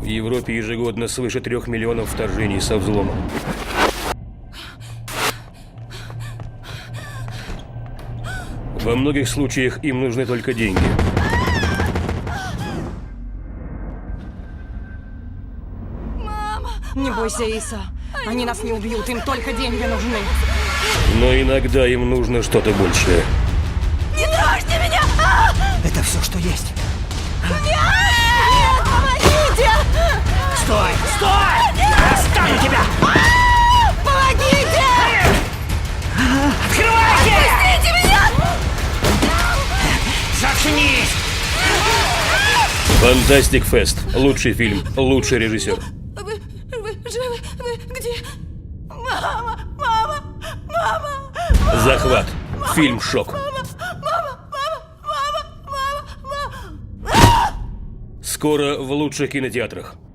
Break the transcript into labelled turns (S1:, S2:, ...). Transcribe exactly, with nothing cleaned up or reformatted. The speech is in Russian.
S1: Европе ежегодно свыше трех миллионов вторжений со взломом. Во многих случаях им нужны только деньги.
S2: Не бойся, Иса. Они нас не убьют, им только деньги нужны.
S1: Но иногда им нужно что-то большее.
S2: Не трожьте меня!
S3: Это все, что есть.
S2: Нет! Помогите!
S3: Стой! Стой! Я оставлю тебя!
S2: Помогите!
S3: Открывайте!
S2: Пустите меня!
S3: Заткнись!
S1: Фантастик Фест. Лучший фильм, лучший режиссер.
S2: Вы, вы живы? Вы где? Мама! Мама! Мама!
S1: Захват. Фильм «Шок». Скоро в лучших кинотеатрах.